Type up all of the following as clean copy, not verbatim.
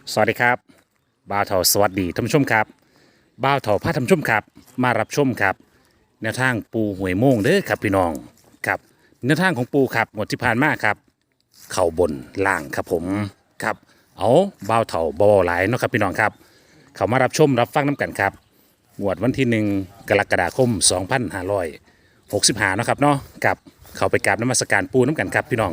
สวัสดีครับบ่าวเถาสวัสดีท่านผู้ชมครับบ่าวเถาพาท่านผู้ชมครับมารับชมครับแนวทางปูหวยโม่งเด้อครับพี่น้องครับแนวทางของปูครับงวดที่ผ่านมาครับเข่าบนล่างครับผมครับเอาบ่าวเถาบ่หลายเนาะครับพี่น้องครับเขามารับชมรับฟังน้ำกันครับงวดวันที่1 กรกฎาคม 2565เนาะครับเนาะกับเขาไปกราบนมัสการปูน้ำกันครับพี่น้อง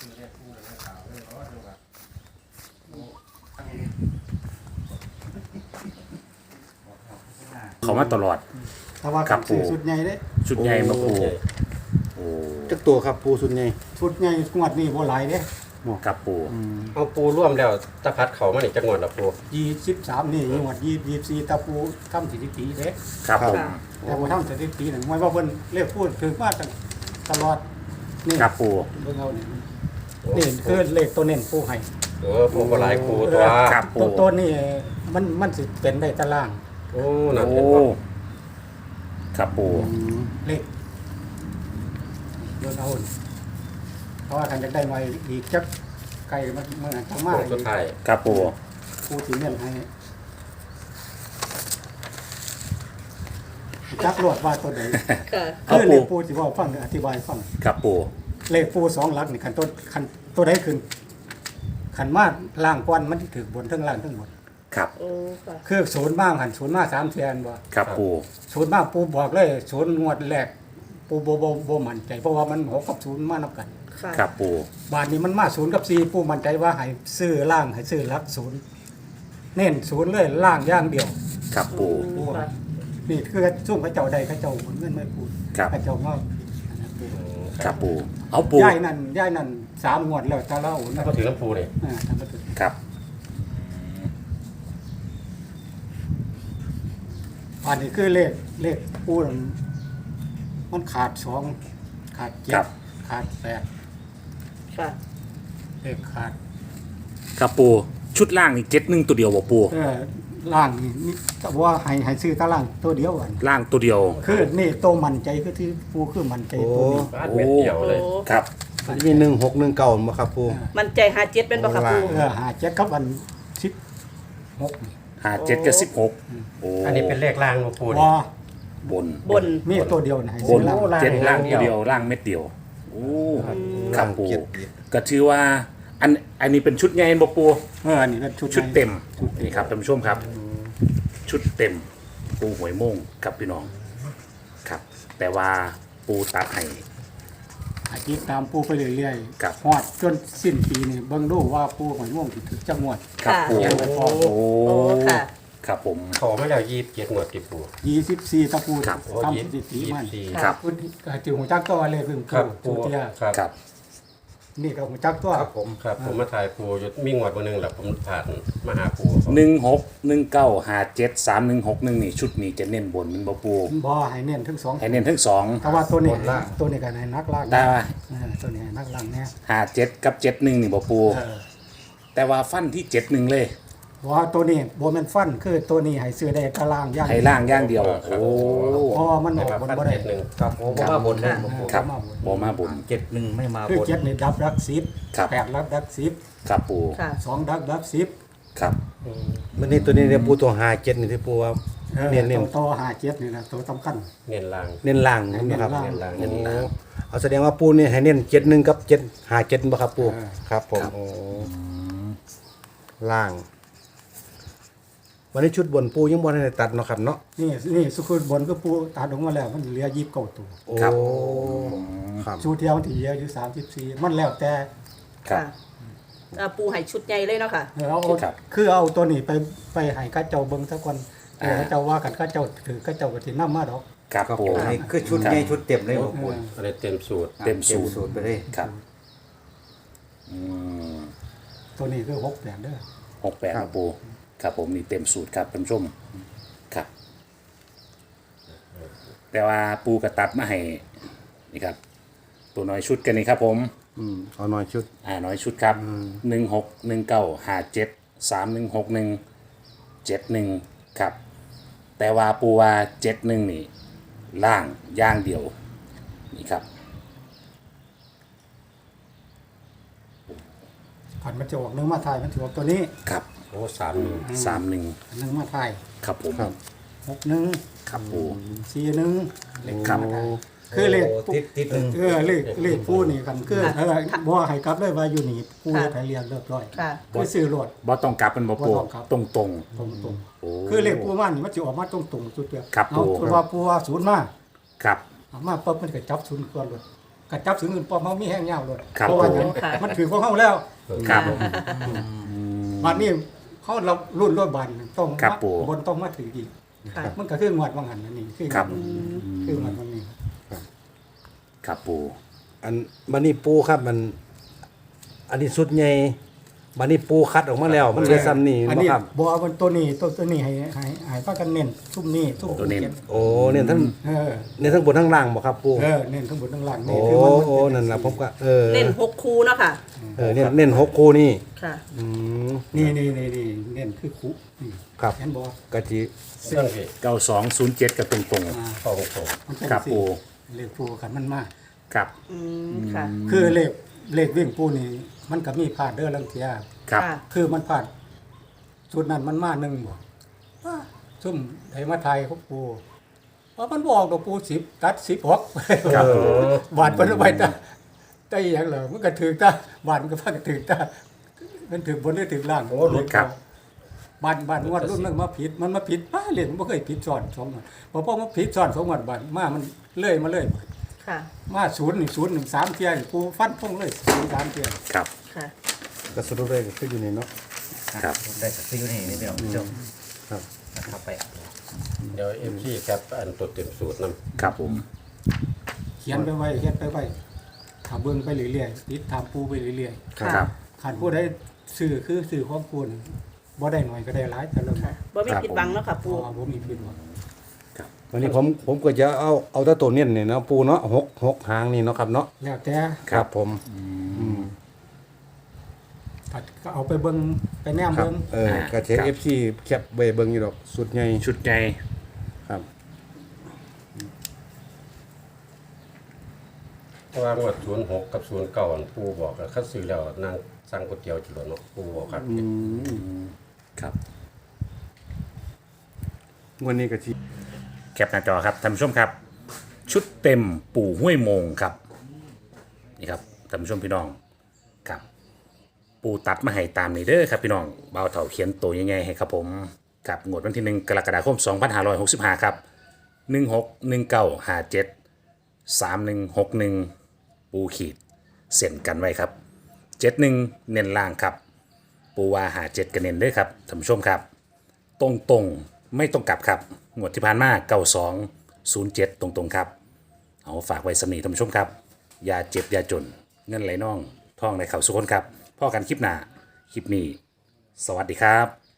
เขามาตลอดถ้าว่าครักับ ซื้อปู่สุดใหญ่เด้ชุดใหญ่มาปูโอ้จักตัวครับปูสุดใหญ่ชุดใหญ่งวดนี้บ่หลายเด้กับปูเอาปูร่วมแล้วตะพัดเขามานี่จังหวัดละปู 23นี่งวด24ตะปูทำสถิติเด้ครับผมแต่บ่ทำสถิตินั่นหมายว่าเพิ่นเรียกพูดถึงมาตลอดนี่กับปูเบิ่งเอานี่คือเลขตัวเน้นปูให้ปูก็หลายปูตัวครับปูตัวนี้มันสิเป็นได้ตารางโอ้นั่นโอ้เห็นบ่ครับปูเลขเบิ่งเอาเพราะว่าคันจะได้มาอีกจักไกลมันทางมาปูสุดท้ายกับปูปูสิเน้นให้จักรวดว่าตัวใดค่ะคือเลขปูที่ว่าฟังอธิบายฟังกับปูเลขปู2หลักนี่คันตัวใดขึ้นคันมาล่างกวนมันสิถือบนทั้งล่างทั้งบนครับโอ้ค่ะคือศูนย์บ้างหันศูนย์มา3แสนบ่กับปูศูนย์มาปูบอกเลยศูนย์งวดแรกปูบ่มั่นใจเพราะว่ามัน6กับ0มานับกันค่ะกับปูบาทนี้มันมา0กับ4ปูมั่นใจว่าให้ซื้อล่างให้ซื้อหลักศูนย์เน้นศูนย์เลยล่างอย่างเดียวกับปูปูว่านี่คือซุ่มเขาเจ้าใดเขาเจ้าหมุนเงินไม่พูดครับเขาเจ้ามากับปูเอาปูย้ายนั่น3งวดแล้วถ้าเรานะก็ถือลำปูนี่ทำมาถึงครับอันนี้คือเลขปูนั่นมันขาด2ขาด7ขาด8 ค่ะเลขขาดกับปูชุดล่างนี่71ตัวเดียวบ่ปูล่างนี่แต่ว่าให้ซื้อตารางตัวเดียวอันล่างตัวเดียวคือนี่โตมั่นใจคือที่ปูคือมั่นใจตัวนี้บ้านเม็ดเดียวเลยโอ้ครับมี1619บ่ครับปูมันใจหาเจ็ดเป็นบ่ครับปูหาเจ็ดกับอัน16นี่ 57กับ16โอ้อันนี้เป็นเลขล่างของปูนี่ว่าบนบนมีตัวเดียวนะให้บซื้อน ล่างล่างเจ็ดล่างเดีตัวยวเดียวล่างเม็ดเดียวโอ้ครับปูเจ็ดก็ถือว่าอันนี้เป็นชุดใหญ่บ่ปูอันนี้เป็นชุดชุดเต็มชุดเต็มนี่ครับท่านผู้ชมครับ ชุดเต็มปูหวยโม่งกับพี่น้องครับ แต่ว่าปูตัดให้อาทิตย์ตามปูไปเรื่อยครับฮอดจนสิ้นปีนี่เบิ่งดูว่าปูหอยม่วงสิถึงจังหวัดครับปูยังไม่พอโอ้โอ้ค่ะครับผมเขามาแล้ว27หมวดติปู 24ตะปูครับทำสถิติมัน 24 ครับคุณจือหัวจักตัวเลยเพิ่งครับปูปูเตียครับครับนี่ก็หัวจักตัวครับผมมาถ่ายปูอยู่มีงวดบ่นึงแหละผมผ่านมาหาปู 1619573161นี่ชุดนี้จะเน้นบนมันบ่ปูบ่ให้เน้นทั้งสองให้เน้นทั้งสองแต่ว่าตัวนี้ตัวนี้ก็ให้นักล่างได้ตัวนี้ให้นักล่างเนี่ย 57กับ71นี่บ่ปู แต่ว่าฟันที่71เลยว่าตัวนี้บ่แม่นฟันคือตัวนี้ให้ซื้อได้ตารางอย่างให้ล่างอย่างเดียว โอ้เพราะว่ามันออกบนบ่ได้หนึ่งครับผมบ่มาบนเลยบ่ปูครับมาบนบ่มาบน 71ไม่มาคือบนเจ็ดนี่ดับรักครับ 10 8รับรักครับปูค่ะ 10 2ดับ10 ครับมันนี่ตัวนี้เนี่ยปูตัว57นี่ที่ปูว่าเน้นตัวหาเจ็ดนี่นะตัวสำคัญเน้นล่างเน้นล่างนะครับเน้นล่างเน้นล่างเอาแสดงว่าปูนี่ให้เน้น71กับ757บ่ครับปูครับผมโอ้ล่าง วันนี้ชุดบนปูยังบ่ทันได้ตัดเนาะครับเนาะนี่สุขุมบนก็ปูตัดออกมาแล้วมันเหลือ29ตัวโอ้ครับชูเที่ยวที่เหลืออยู่34มันแล้วแต่ครับปูให้ชุดใหญ่เลยเนาะค่ะเอาครับคือเอาตัวนี้ไปให้ข้าเจ้าเบิ่งซะก่อนข้าเจ้าว่ากันข้าเจ้าถือข้าเจ้าก็สินำมาดอกครับปูนี่คือชุดใหญ่ชุดเต็มเลยบ่ปูอะไรเต็มสูตรเต็มสูตรสูตรไปเลยครับอืมตัวนี้คือ6แปดเด้อ 68ครับปูครับผมนี่เต็มสูตรครับท่านผู้ชมครับ แต่ว่าปูกระตัดมาให้นี่ครับ ตัวน้อยชุดกันนี่ครับผมเอาหน่อยชุดน้อยชุดครับ161957316171ครับ แต่ว่าปูว่า71นี่ล่างย่างเดียวนี่ครับขันมันจะออกเนื้อมาทายมันถือว่าตัวนี้ครับโอ้31 31 หนึ่งมาไทยครับผมครับ 61 ครับปู 41เลขครับมาไทยคือเลขติดหนึ่งเลขปูนี่กันคือบ่ให้กลับเลยว่าอยู่นี่ปูเฮ็ดให้เรียนเรียบร้อยค่ะคือซื้อรถบ่ต้องกลับเป็นบ่ปูบ่ต้องกลับตรงตรงโอ้ๆคือเลขปูมันมันสิออกมาตรงๆจุดเดียวครับเอาปู่คือว่าปูว่าศูนย์มาๆครับเอามาปุ๊บมันก็จับศูนย์ก่อนเลยก็จับศูนย์อื่นปอมเฮามีแห้งยาวเลยครับเพราะว่าหยังค่ะมันถือของเฮาแล้วครับบัดนี้เขาเรารุ่นรถบันต้องครับมาปู่บนต้องมาถืออีกค่ะมันก็คืองวดว่างั้นนั่นนี่คือครับคืองวดวันนี้ครับปูอันบันนี้ปูครับมัน อันนี้สุดใหญ่บันนี้ปูคัดออกมาแล้ว มันเหลือซ้ำนี่อันบ่นี้ครับบ่เอาเป็นตัวนี้ตัวนี้ให้พากันเน้นซุ่มนี้ซุ่มตัวเน้นโอ้เนี่ยทั้งเออเนี่ยทั้งบนทั้งล่างบ่ครับปูเน้นทั้งบนทั้งล่างโอ้นี่คือมันโอ้นั่นล่ะผมก็เน้น6คู่เนาะค่ะเน้นหกคู่นี่ค่ะอืมนี่เน้นคือคุนี่ครับเห็นบ่กะจิเรื่องพี่ 9207กับตรงอ่าเข้าตรงมันเป็นครับสิปู่เลขปูคันมันมาๆครับค่ะคือเลขวิ่งปูนี่มันก็มีพลาดเด้อลังเทียครับค่ะคือมันพลาดชุดนั้นมันมาหนึ่งบ่ซุ่มไทยมาไทยของปูเพราะมันบอกตัวปู10ตัด16 ครับบาทเพิ่นเอาไปได้อหยังเหรอมันก็ถือตาบาทมันก็พากันถือตามันถือบนหรือถือล่างโอ้ครับบาทงวดรุ่นนึงมาผิดมันมาผิดป้าเลยมันบ่เคยผิดซ้อน2งวดพอมันผิดซ้อน2งวดบาทมามันเลื่อยมาเลยค่ะมา0 1 3เที่ยนี่ปูฟันพงเลย0 3เที่ยครับค่ะกระสุนเลยก็คืออยู่นี่เนาะครับได้สักซิวนี่นี่เดียวจบครับนะครับไปเดี๋ยว FC แคปอันตัวเต็มสูตรนํครับผมเขียนไปไว้เขียนไปไว้ถ้าเบิ่งไปเรื่อยๆติดตามปูไปเรื่อยครับๆขาดผู้ใดซื้อคือซื้อของคุณบ่ได้หน่อยก็ได้หลายแต่ละค่ะบ่มีผิดหวังเนาะค่ะปูปูบ่มีผิดหวังวันนี้ผมก็จะเอาแต่ตัวเน้นนี่เนาะปูเนาะหกหางนี่เนาะครับเนาะแล้วแต่ครับผมก็เอาไปเบิ่งไปแนมครับเบิ่งกระเทครับ FC แคปไว้เบิ่งอยู่ดอกสุดใหญ่ชุดใหญ่ครับเพราะว่างวด06กับ09อันปู่บอกแล้วคัดซื้อแล้วนั่งสั่งก๋วยเตี๋ยวจิโลเนาะปู่บอกครับครับวันนี้ก็สิแคปหน้าจอครับท่านผู้ชมครับ ชุดเต็มปู่ห้วยโมงครับนี่ครับท่านผู้ชมพี่น้องครับปู่ตัดมาให้ตามนี้เด้อครับพี่น้องเบาเถาเขียนตัวยังไงให้ครับผมกับงวดวันที่ 1 กรกฎาคม 2565 ครับ 161957 3161 ปูขีดเส้นกันไว้ครับ 71 เน้นล่างครับ ปูว่า57กันเน้นเด้อครับท่านผู้ชมครับ ตรงๆไม่ต้องกลับครับงวดที่ผ่านมา9207 ตรงๆครับ เอาฝากไว้สำนีท่านผู้ชมครับ อย่าเจ็บ อย่าจน เงินไหลน่องท่องในเข่าสุขคนครับพ่อกันคลิปหน้า คลิปนี้ สวัสดีครับ